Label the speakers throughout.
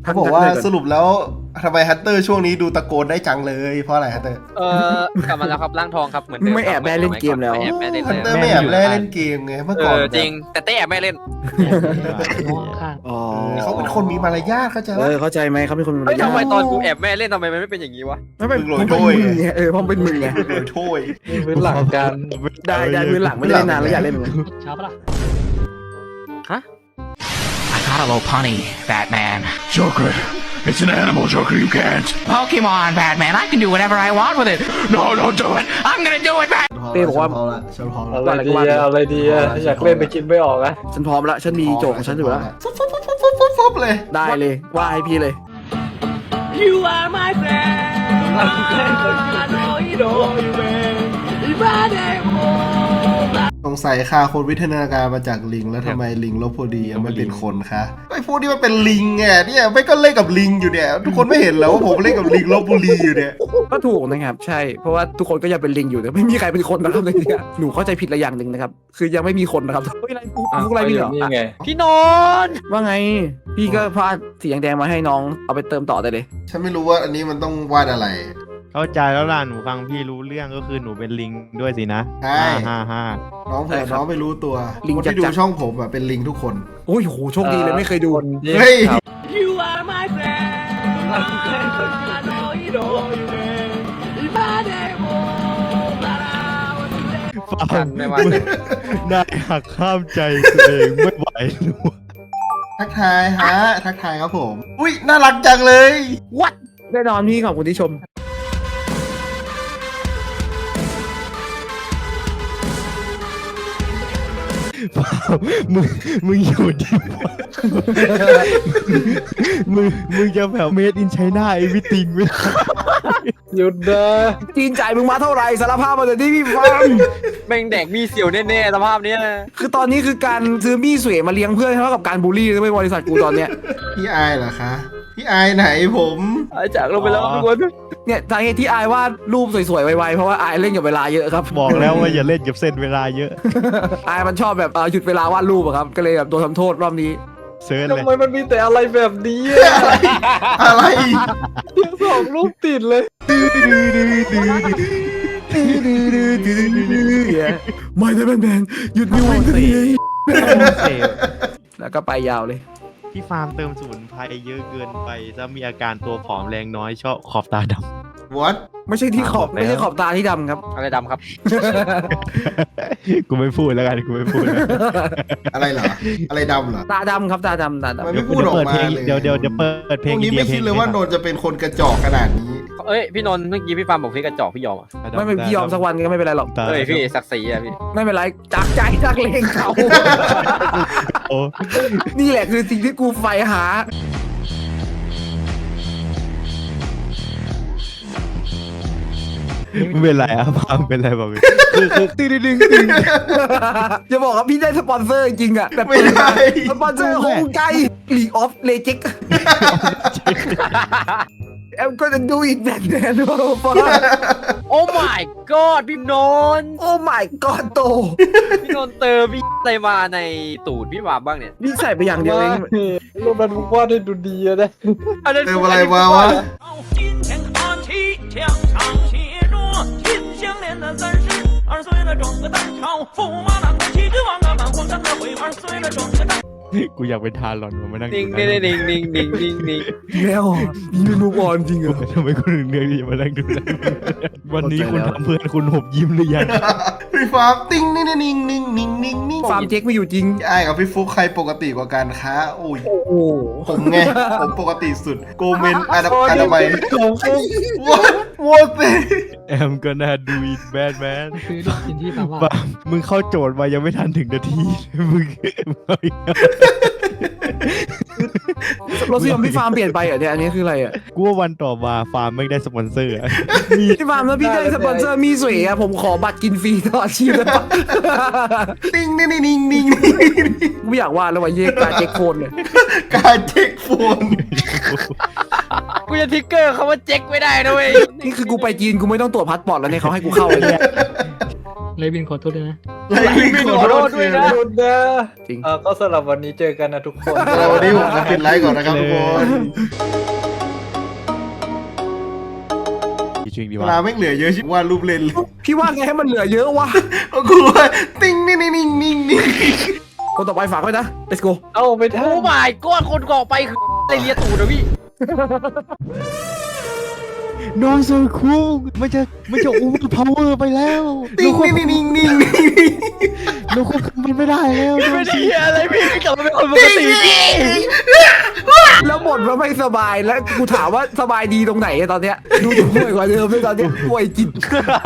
Speaker 1: เขาบอกว่าสรุปแล้วทำไมฮัตเตอร์ช่วงนี้ดูตะโกนได้จังเลยเพราะอะไรฮัตเตอร์
Speaker 2: กลับมาแล้วครับร่างทองครับเหมือนเดิม
Speaker 3: ไม่แอบแม่เล่นเกมแล้ว
Speaker 2: ไม่แอบแม่เล่น
Speaker 1: ฮัต
Speaker 2: เลย
Speaker 1: เตอร์ไม่แอบเล่นเกมไงเมื่อก่อน
Speaker 2: จริงแต่เต้แอบแม่เล่น
Speaker 3: อ๋อ
Speaker 1: เขาเป็นคนมีมารยาทเข้าใจไหม
Speaker 3: เข้าใจไหมเขาเป็นคนมี
Speaker 2: เฮ้ยทำไมตอนกูแอบแม่เล่นทำไมมันไม่เป็นอย่างนี้วะ
Speaker 3: ไม่เป็นมึงเป็นมึงไงเพราะเป็นมึงไง
Speaker 1: โดยโทษ
Speaker 4: พื้นหลังกัน
Speaker 3: ได้พื้นหลังไม่ได้นานแล้วอยากเล่นเหมือนกัน
Speaker 4: ช้าปะล่ะ
Speaker 5: I got a little punny, Batman. Joker, it's an animal, Joker, you can't. Pokemon, Batman, I can do whatever I want with it. No, don't do it. I'm gonna do it, Batman.
Speaker 1: เต้บอกว่าฉันพร้อมแล้ว
Speaker 4: อะไรดีอะอะไรดีอะอยากเล่นไปกินไม่ออกอะ
Speaker 3: ฉันพร้อมแล้วฉันมีโจทย์ของฉันอยู่แล้ว
Speaker 1: ฟุบเลย
Speaker 3: ได้เลยว่าให้พี่เลย
Speaker 6: You are my friend. I know you know you man. If I never
Speaker 1: สงสัยค่ะคนวิทยาการมาจากลิงแล้วทำไมลิงลบพอดีไม่เป็นคนคะไอ้พวกนี้มันเป็นลิงไงเนี่ยไม่ก็เล่นกับลิงอยู่เนี่ยทุกคนไม่เห็นแล้วว่าผมเล่นกับลิงลบบุรีอยู่เนี่ย
Speaker 3: ก็ถูกนะครับใช่เพราะว่าทุกคนก็ยังเป็นลิงอยู่แต่ไม่มีใครเป็นคนนะครับเลยเนี่ยหนูเข้าใจผิดละอย่างหนึ่งนะครับคือยังไม่มีคนนะครับเฮ้ยอะไรกูอะไรพี่เหรอ
Speaker 4: นี่ไง
Speaker 2: พี่นนท์
Speaker 3: ว่าไงพี่ก็พาดสีแดงๆมาให้น้องเอาไปเติมต่อได้เลย
Speaker 1: ฉันไม่รู้ว่าอันนี้มันต้องวาดอะไร
Speaker 7: เข้าใจแล้วล่ะหนูฟังพี่รู้เรื่องก็คือหนูเป็นลิงด้วยสินะ
Speaker 1: ใช่
Speaker 7: ฮ่า
Speaker 1: น้องเผื่อน้องไม่รู้ตัวคนที่ดูช่องผมอะเป็นลิงทุกคน
Speaker 3: โอ้ยโหโชคดีเลยไม่เคยดู
Speaker 1: เฮ้ย
Speaker 6: You are my friend. I know you know you man. If I never
Speaker 7: ฟัง
Speaker 2: ไม่ว่า
Speaker 7: ได้หักข้ามใจตัวเองไม่ไหวหนู
Speaker 1: ทักทายฮะทักทายครับผมอุ้ยน่ารักจังเลย
Speaker 3: What แน่นอนพี่ขอบคุณที่ชม
Speaker 7: มึงอยู่ดีวะมึงจะแบบเมดอินไชน่าไอวิติงไม่ได้
Speaker 4: หยุดนะ
Speaker 3: จีนจ่ายมึงมาเท่าไหร่สารภาพมาเลยที่พี่ฟัง
Speaker 2: แม่งแดกมีเสียวแน่ๆสภาพเนี้ย
Speaker 3: คือตอนนี้คือการซื้อมี่สวยมาเลี้ยงเพื่อนเท่ากับการบูลลี่ไม่บริษัทกูตอนเนี้ย
Speaker 1: พี่อายเหรอคะพี่อายไหนผม
Speaker 2: หายจากลงไปแล้วทุกคน
Speaker 3: เนี่ยสาเหตุที่อายวาดรูปสวยๆไวๆเพราะว่าอายเล่นกับเวลาเยอะครับ
Speaker 7: บอกแล้วว่าอย่าเล่นกับเส้นเวลาเยอะ
Speaker 3: อายมันชอบแบบหยุดเวลาวาดรูปอะครับก็เลยแบบโดนทำโทษรอบนี้
Speaker 7: เซิร์ช
Speaker 4: ทำ
Speaker 7: เลย
Speaker 4: ไมมันมีแต่อะไรแบบนี้อะ
Speaker 1: อะไร
Speaker 4: สองรูปติดเลย
Speaker 3: ไม่ได้แมนหยุดนิ้ววิ่งที
Speaker 7: เสพ
Speaker 3: แล้วก็ไปยาวเลย
Speaker 7: พี่ฟาร์มเติมสมุนไพรเยอะเกินไปจะมีอาการตัวผอมแรงน้อยชอบขอบตาด
Speaker 1: what
Speaker 3: ไม่ใช่ที่ขอบไม่ใช่ขอบตาที่ดำครับ
Speaker 2: อะไรดำครับ
Speaker 7: ำ กูไม่พูดแล้วกันกูไม่พูดแล้ว
Speaker 1: อะไรเหรออะไรดำเหรอ
Speaker 3: ตาดำครับตาดำตาดำ
Speaker 1: มันไม่พูดออกมาเลย
Speaker 7: เดี๋ยวเปิดเพ
Speaker 1: พ
Speaker 7: ลง
Speaker 1: วกนี้ไม่คิดเลยว่าโนนจะเป็นคนกระจอกขนาดนี้
Speaker 2: เอ้ยพี่นนท์เมื่อกี้พี่ฟาร์มบอกพี่กระจอกพี่ยอมอ่ะ
Speaker 3: ไม่เป็นพี่ยอมสักวันก็ไม่เป็นไรหรอก
Speaker 2: เฮ้ยพี่ศักดิ์ศรีอ่ะพี่
Speaker 3: ไม่เป็นไรจากใจจากเลงเขา
Speaker 7: โอ้
Speaker 3: นี่แหละคือสิ่งที่กูใฝ่หา
Speaker 7: ไม่เป็นไรอะฟาร์มเป็นไรบอกเลยคือตึ้งตึ้ง
Speaker 3: จะบอกว่าพี่ได้สปอนเซอร์จริงอะแบบ
Speaker 1: ไม่ได้
Speaker 3: สปอนเซอร์ของใจ League of Legends แอมก็จะดูอีกแบบแน่นอนฟ้า
Speaker 2: โอ้ my god พี่นนท์
Speaker 3: โอ้ my god โต
Speaker 2: พี่นนท์เติมพี่อะไรมาในตูดพี่วาบ้างเนี่ย
Speaker 3: นี่ใส่ไปอย่างเดียวเอง
Speaker 4: รูปนั้นมึงวาดให้ดูดีอะนะ
Speaker 1: เติมอะไรมาวะ
Speaker 6: 今天阿七墙上写着秦香莲的三十二岁了，整个蛋炒驸马郎的齐君王啊，满皇上的回二岁了，整个蛋。
Speaker 7: กูอยากเป็นทารอนมานั่ง
Speaker 2: นิ่งนิ่งนิ่งนิ่งนิ่งนิ่งนิ่ง
Speaker 3: แล้วมีเมนูบอลจริงเหรอ
Speaker 7: ทำไมคุณถึงเลือกที่จะมานั่งดูวันนี้คุณทำเพื่อนคุณหบยิ้มหรือยัง
Speaker 1: พี่ฟาร์มติ้งนิ่งนิ่งนิ่งนิ่งนิ่งนิ่ง
Speaker 3: ฟาร์มเจ๊กไม่อยู่จริง
Speaker 1: พี่อายกับพี่ฟุกใครปกติกว่ากันคะโอ้ย
Speaker 3: โอ้โห
Speaker 1: ผมไงผมปกติสุดโกเมนอาดัมไม
Speaker 4: ของฟุ๊ก
Speaker 1: what the
Speaker 7: แอมก็น่าดูอีกแบดแมน
Speaker 4: คือได้ยินที่แปลว่า
Speaker 7: ปามึงเข้าโจทย์มายังไม่ทันถึงนาทีมึงเอาอีกแล้ว
Speaker 3: รสนิยมพี่ฟาร์มเปลี่ยนไปเหรอเนี่ยอันนี้คืออะไรอ่ะ
Speaker 7: กูว่าวันต่อมาฟาร์มไม่ได้สปอนเซอร์อะมี
Speaker 3: พี่ฟาร์มแล้วพี่ได้สปอนเซอร์มีสวยอ่ะผมขอบัตรกินฟรีตลอดชีพเลยปะ
Speaker 1: ติ้งนิ่งนิ่งนิ่งนิ่ง
Speaker 3: ไม่อยากวาดแล้วว่าเย่กาเจ๊กโคนเนี่ย
Speaker 1: การเช็คโฟน
Speaker 2: กูจะทิกเกอร์เขาว่าเจ๊กไม่ได้นะเว้ย
Speaker 3: นี่คือกูไปจีนกูไม่ต้องตรวจพาสปอร์ตแล้วเนี่ยเขาให้กูเข้าเลยเนี่ย
Speaker 4: เลยบินขอโทษด้วยนะ
Speaker 1: ไลฟ์ลิงขอโทษด้วยนะ
Speaker 4: หยุดนะ
Speaker 3: จริง
Speaker 4: ก็สำหรับวันนี้เจอกันนะทุกคน
Speaker 1: วันนี้ผมจะปิดไลฟ์ก่อนนะครับทุกคน
Speaker 7: จริงดี
Speaker 1: เว
Speaker 7: วะ
Speaker 1: ลาไม่เหลือเยอะชิบวาดรูปเล่นเลย
Speaker 3: พี่ว่าไงให้มันเหลือเยอะวะ
Speaker 1: กูว่าติ้งนิ่งนิ่งนิ่งนิ่งนิ่ง
Speaker 3: คนต่อไปฝากไว้นะ let's go
Speaker 4: เอาไปทั
Speaker 2: โอ้
Speaker 4: น
Speaker 2: my god คนก่อไปคืออะไรเลียตูดนะพี่
Speaker 7: น้องโซคูมันจะอูมพาวเวอร์ไปแล้ว
Speaker 1: ติ้งนิ่งนิ่งนิ่งนิ่ง
Speaker 7: เราควบคุมมันไม่ได้แล้ว
Speaker 2: ไม่ได้เหี้ยอะไรพี่กลับมาเป็นคนปกติพี่
Speaker 3: แล้วบ่นว่าไม่สบายแล้วกูถามว่าสบายดีตรงไหนอะตอนเนี้ยดูจะป่วยกว่าเดิมเลยตอนเนี้ยป่วยจิต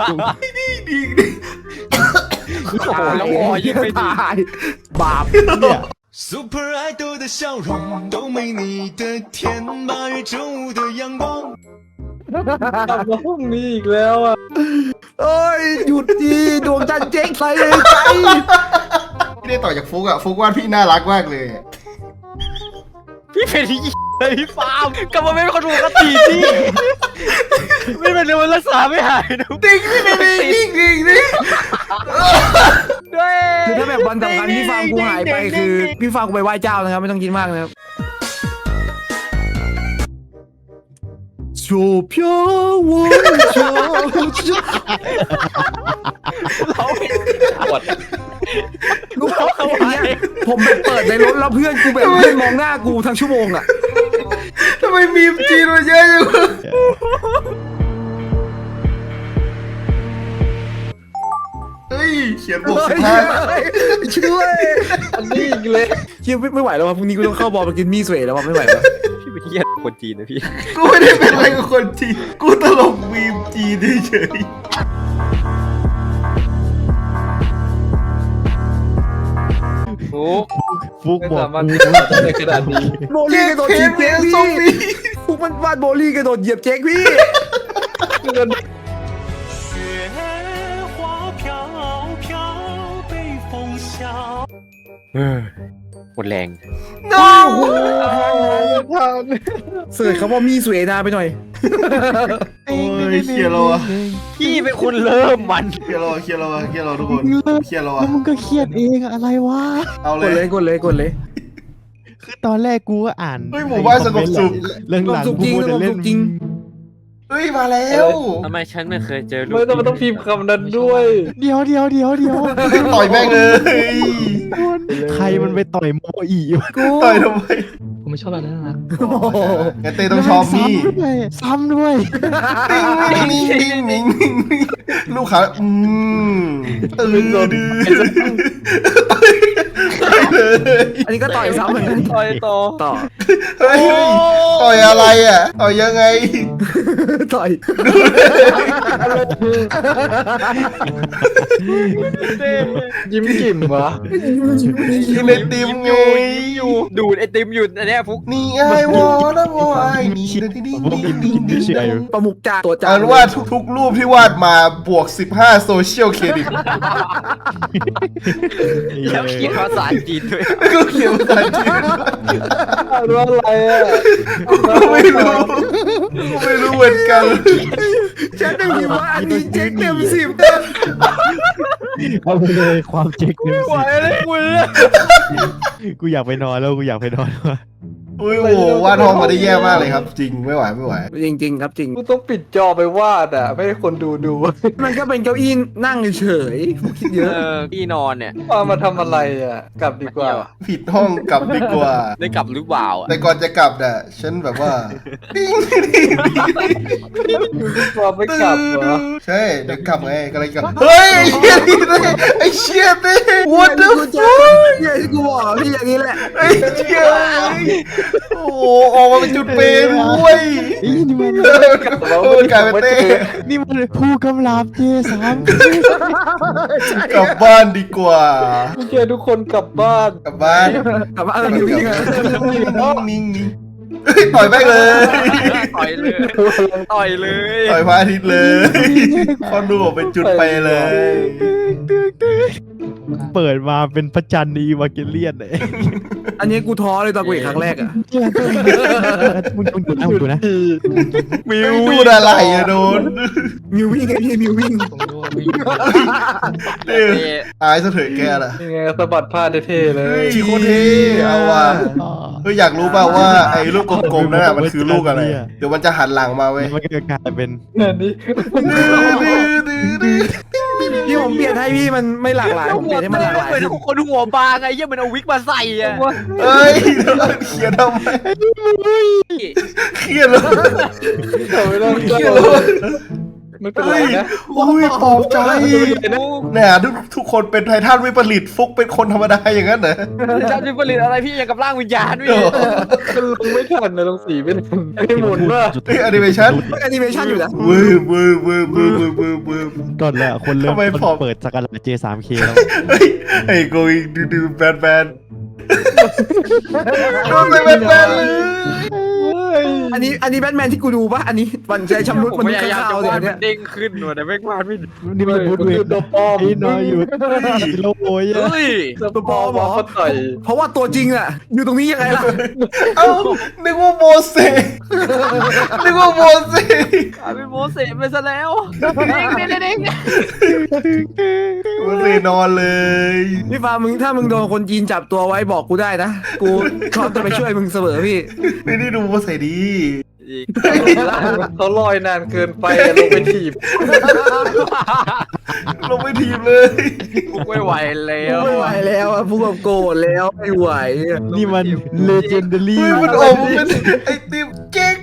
Speaker 2: โอ้โหแล้ววอยิ่งไม่ดี
Speaker 3: ตายบาป
Speaker 8: Super Idol 的笑容都没你的甜，8月正午的阳光。
Speaker 4: กลับมาพรุ่งนี้อีกแล้วอ่ะ
Speaker 3: เอ้ยหยุดดีดวงจันทร์เจ๊งใส่ใจ
Speaker 1: ไม่ได้ต่อจากฟุกอะฟุกวาดพี่น่ารักมากเลย
Speaker 2: พี่เป็นที่อะไรพี่ฟาร์มกลับมาเป็นคนปกติพี่ไม่เป็นไรมันรักษาไม่หายนะ
Speaker 1: ติ้งนิ่งนิ่งนิ่งนิ่ง
Speaker 2: ด้วย
Speaker 3: คือถ้าแบบวันสำคัญพี่ฟาร์มกูหายไปคือพี่ฟาร์มกูไปไหว้เจ้านะครับไม่ต้องคิดมากนะครับโชเพียววงโช
Speaker 2: เราเป็นปวด
Speaker 3: รู้ป่าวเนี่ยผมไปเปิดในรถแล้วเพื่อนกูแบบเพื่อนมองหน้ากูทั้งชั่วโมงอ่ะ
Speaker 1: ทำไมมีมจีนมาเยอะจังเฮ้ยเขียนบท15
Speaker 3: ช่วย
Speaker 4: อันนี้อีกเลย
Speaker 3: เชี่ยไม่ไหวแล้วว่ะพรุ่งนี้กูต้องเข้าบอลมากินมี่สวยแล้วว่ะไม่ไหวแล้ว
Speaker 2: พี่เป็นเหี้ยคนจีนนะพี่
Speaker 1: กูไม่ได้เป็นอะไรกับคนจีนกูตลกมีมจีนเฉย
Speaker 2: โอ้
Speaker 7: ฟุก
Speaker 4: ไม่
Speaker 7: บอก
Speaker 4: สามารถที่จะทำได้ขนาดนี้
Speaker 3: โบ
Speaker 1: ๆ
Speaker 3: ลี่
Speaker 1: เจ๊
Speaker 3: กระโดด
Speaker 1: เพ
Speaker 3: เหยีย
Speaker 1: น
Speaker 3: บ
Speaker 1: เม
Speaker 3: เจ๊ก
Speaker 1: น
Speaker 3: พี่
Speaker 1: ซอมบี้
Speaker 3: พวกมันวาดโบลี่กระโดดเหยียบเจ๊กพี่
Speaker 8: 雪花飘飘，北风萧。
Speaker 2: หมดแรง
Speaker 1: no
Speaker 3: เสิร์ชคำว่ามี่สวยนาไปหน่อย
Speaker 1: โอ้ยเคลียร์เราอะ
Speaker 2: พี่เป็นคนเริ่มมัน
Speaker 1: เคลียร์เราอะเคลียร์เราอะเคลียร์เราทุกคนเคลียร์เราอะ
Speaker 7: แล้วมึงก็เครียดเองอะไรวะ
Speaker 1: เอา
Speaker 3: กด
Speaker 1: เล
Speaker 3: เลย
Speaker 1: ย
Speaker 3: กดเลยกดเลย
Speaker 7: คือตอนแรกกูก็อ่าน
Speaker 1: เฮ้ยหมู่บ้านสงบสุข
Speaker 7: เรื่องหลัง
Speaker 3: สงบสุขจริง
Speaker 7: กูจะเล่
Speaker 3: สงบสุ
Speaker 7: น
Speaker 3: ขจริง
Speaker 1: เฮ้ยมาแล้ว
Speaker 2: ทำไมฉันไม่เคยเจอลูก
Speaker 4: ไม่ต้องพิมพ์คำนั้นด้วย
Speaker 7: เดี๋ยว
Speaker 1: ต่อยแม่งเลย
Speaker 7: ใครมันไปต่อยโมอีวะ
Speaker 1: ต่อยทำไม
Speaker 4: ผมไม่ชอบแบบนั้นนะ
Speaker 1: งั้นเต้ต้องชอบนี่
Speaker 7: ซ้ำด้วย
Speaker 1: ติ้งนิ่งนิ่งนิ่งนิ่งนิ่งลูกค้าดื้อเลย
Speaker 3: อันนี้ก็ต่อยซ้ำเหมือนกัน
Speaker 2: ต่อยต่อ
Speaker 3: ต่อ
Speaker 1: เฮ้ยต่อยอะไรอ่ะต่อยยังไง
Speaker 3: ต่อย
Speaker 4: ยิ้มกิ่มวะ
Speaker 1: กินไอติมไง
Speaker 2: อยู่ดูดไอติมอยู่อันเนี้ยฟุก
Speaker 1: นี่ไอวอนะวอไอนี่ดิ้งดิ้งดิ้งดิ้งดิ้ง
Speaker 3: ประมุกจ่าตัวจ่า
Speaker 1: อ่านว่าทุกๆรูปที่วาดมาบวก15โซเชียลเครดิต
Speaker 2: แล้วเขียนภาษาจีนด้วย
Speaker 1: ก็เขียนภาษาจีน
Speaker 4: อ่านว่าอะไรอ่ะ
Speaker 1: กูไม่รู้เหมือนกัน
Speaker 3: ฉันได้ยินว่าอันนี้เจ๊กเต็ม10
Speaker 7: เอาไปเลยความเจ๊กเต็ม
Speaker 2: ไหว
Speaker 7: สิบ
Speaker 2: เลยคุณ
Speaker 7: กูอยากไปนอนแล้วกูอยากไปนอนแล้ว
Speaker 1: โอ้โหวาดห้องมาได้แย่มากเลยครับ จริงไม่ไหว
Speaker 3: จริงๆครับจริง
Speaker 4: กูต้องปิดจอไปวาดอ่ะ ไม่ให้คนดู
Speaker 3: มันก็เป็นเก้าอี้นั่งเฉยๆผมคิดเยอะ
Speaker 2: พี่นอนเนี่ย
Speaker 4: ว่ามาทำอะไรอ่ะ กลับดีกว่า
Speaker 1: ผิดห้องกลับดีกว่า
Speaker 2: ได้กลับหรือเปล่าอ่ะ
Speaker 1: แต่ก่อนจะกลับน่ะฉันแบบว่าดิ้งดิ้งดิ้ง
Speaker 4: ว่าไม่กลับเหรอ
Speaker 1: ใช่เดี๋ยวกลับไงก็เลยกลับเฮ้ยไอ้เชี่ยนี่ what the
Speaker 3: กูจะ
Speaker 1: fuck
Speaker 3: เนี่ยที่กูบอกพี่อย่างนี้แหละ
Speaker 1: ไอ้เชี่ยโอ้โหออกมาเป็นจุดเปย์ด้วย
Speaker 7: นี่มัน
Speaker 1: กลายเป็นเต้
Speaker 7: นี่มันผู้กำลาบเจสาม
Speaker 1: กลับบ้านดีกว่า
Speaker 4: โอเคทุกคนกลับบ้าน
Speaker 1: กลับบ้าน
Speaker 3: แต่ว่ามีวิ่งอะ
Speaker 1: นิ่งต่อยแม่งเลย
Speaker 2: ต่อยเลยต่อยเลย
Speaker 1: ต่อยพระอาทิตย์เลยคอนดูออกเป็นจุดเปย์เลย
Speaker 7: เปิดมาเป็นพระจันทร์อีวาเกเลียนเลย
Speaker 3: อันนี้กูท้อเลยตอนกูเห็นครั้งแรกอะ
Speaker 7: มึงดูนะ
Speaker 1: มิวดูอะไรอะโดน
Speaker 3: มิววิ่งไงพี่มิววิ่ง
Speaker 1: อายซะเถอะแกล่ะ
Speaker 4: ยังไงสะบัดผ้าเท่ๆเล
Speaker 1: เฮ้
Speaker 4: ย
Speaker 1: ยโคตรเท่เอาว่ะเฮ้ยอยากรู้เปล่าว่าไอ้ลูกกลมๆนั่นน่ะมันคือลูกอะไรเดี๋ยวมันจะหันหลังมาเว้ย
Speaker 7: มันก็กลายเป็น
Speaker 4: นั่นนี่
Speaker 3: พี่ผมเปลี่ยนให้พี่มันไม่หลากหลายผมเปลี่ยนให้มันหลากหลาย
Speaker 2: เหมือนคนหัวบางไงเหี้ยมันเอาวิกมาใส่อะ
Speaker 1: เฮ้ยเขียนทำไมเขียนเลย
Speaker 4: ไม่ต้องเชื่อไม่เป็นไรนะ
Speaker 1: โอ้ยปลอบใจเนี่ยทุกคนเป็นไททันวิปริตฟุกเป็นคนธรรมดาอย่างนั้นเหรอ
Speaker 2: จำจิผลิตอะไรพี่อย่างกับร่างวิญญาณพี่
Speaker 4: มันลงไม่ทันนะลงสีไม่ทันไอ้หมุนว่า
Speaker 1: เฮ้ยแอนิเมชั่น
Speaker 3: แอนิเมชันอยู่นะ
Speaker 1: วืบวืบวืบวืบวืบวืบวืบ
Speaker 7: ก่อนแหละคนเริ่ม
Speaker 1: ทำไมผอม
Speaker 7: เปิดสักการะ J3K แล้ว
Speaker 1: เฮ้ยไอ้ going ดูแบนแบนโดนไปแบนแบนเลย
Speaker 3: อันนี้แบทแมนที่กูดูปะอันนี้วันใจชำรุด
Speaker 2: ผม
Speaker 3: มัน
Speaker 2: พ
Speaker 3: มี
Speaker 2: ยายาม
Speaker 3: ข้า
Speaker 2: จะ
Speaker 3: วๆเนี่
Speaker 2: วาด
Speaker 3: ย
Speaker 2: มั
Speaker 3: เนี่ย
Speaker 2: นเด้งขึ้นว่ะแต่ไม่วาดไม่
Speaker 7: นี่มันบูดเว
Speaker 4: ตัวปลอม
Speaker 7: ไอ้นอยอยู่โลโอย
Speaker 2: เฮ้ย
Speaker 4: ตัวปลอมเขาต่อย
Speaker 3: เพราะว่าตัวจริงอะอยู่ตรงนี้ยังไงล่ะ
Speaker 1: เอ้านึกว่าโมเสสนึกว่าโมเสส
Speaker 2: กลายเป็นโมเสสไปซะแล้วเด้งเด้งเด้ง
Speaker 1: โมเสสนอนเลย
Speaker 3: พี่ฟ้ามึงถ้ามึงโดนคนจีนจับตัวไว้บอกกูได้นะกูพร้อมจะไปช่วยมึงเสมอพี่
Speaker 1: ไม่ได้ดูโมเสสดี
Speaker 2: อีก
Speaker 4: เขาลอยนานเกินไปลงไปถีบ
Speaker 1: ลงไปทีมเลย
Speaker 2: กูไม่ไหวแล้ว
Speaker 3: ไม่ไหวแล้วอะพวกแบบโกรธแล้วไม่ไหวอะ
Speaker 7: นี่มัน legendary
Speaker 1: เฮ้ยมันอมเป็นไอติมเก๊ก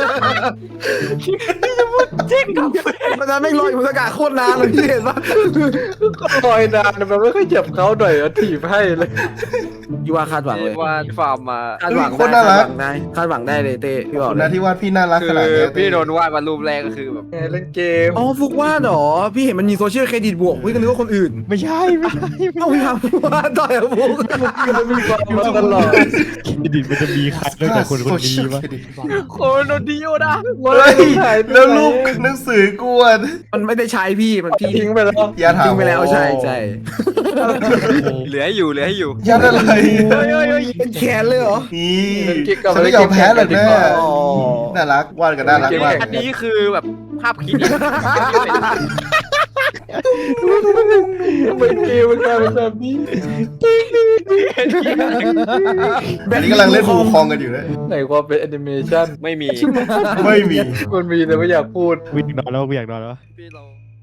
Speaker 3: มันจะไม่งลอยอยู่บนอากาศโคตรนานเลยพี่เห็นปะ
Speaker 4: ลอยนานมันไม่ค่อยเจ็บเขาหน่อยถีบให้เลย
Speaker 3: ยูว่าคาดหวังเลย
Speaker 2: วาดฟาร์มมา
Speaker 3: คาดหวังได้คาดหวังได้เลยเต้พี่บอก
Speaker 1: คน
Speaker 3: เล
Speaker 1: นะ
Speaker 3: ย
Speaker 1: ที่วาดพี่น่ารัก
Speaker 2: คื
Speaker 1: ขนาด
Speaker 2: อ
Speaker 1: นี้
Speaker 2: พี่โดนวาดมารูปแรกก็คือแบบ
Speaker 4: เล่นเกม
Speaker 3: อ๋อฟุกว่าเหรอพี่เห็นมันมีโซเชียลเครดิตบวกพี่ก็นึกว่าคนอื่น
Speaker 7: ไม่ใช่
Speaker 3: เอ้าพี่ทำว่าต่อยกับฟุก
Speaker 4: มันมีความมาตลอด
Speaker 7: เครดิตมันจะมีใครนอกจากคนคนนี้วะ
Speaker 2: คนโดนดิโอนะ
Speaker 1: เฮ้ยแล้วรูปหนังสือกวน
Speaker 3: มันไม่ได้ใช้พี่มันพี่
Speaker 4: ทิ้งไปแล้ว
Speaker 1: อย่าถาม
Speaker 3: ทิ้งไปแล้วใช่ใช่
Speaker 2: เหลือให้อยู่เหลือให้อยู่
Speaker 1: ยัดอะไร
Speaker 3: เป็นแขนเลยเหรอ
Speaker 1: นี่ฉันไม่ยอมแพ้หรอกนะน่ารักวาดกันน่ารักมาก
Speaker 2: อันนี้คือแบบภาพคิด
Speaker 4: เป็นเกมมันกลายเป็นแบบนี้
Speaker 1: อันนี้กำลังเล่นฟูคองกันอยู่นะ
Speaker 4: ไหนความเป็นแอนิเมชัน
Speaker 2: ไม่มี
Speaker 1: ไม่มี
Speaker 4: มันมีแต่ไม่อยากพูด
Speaker 7: วิ่งนอนแล้ววิ่งนอนแล้ว
Speaker 2: พี่เรา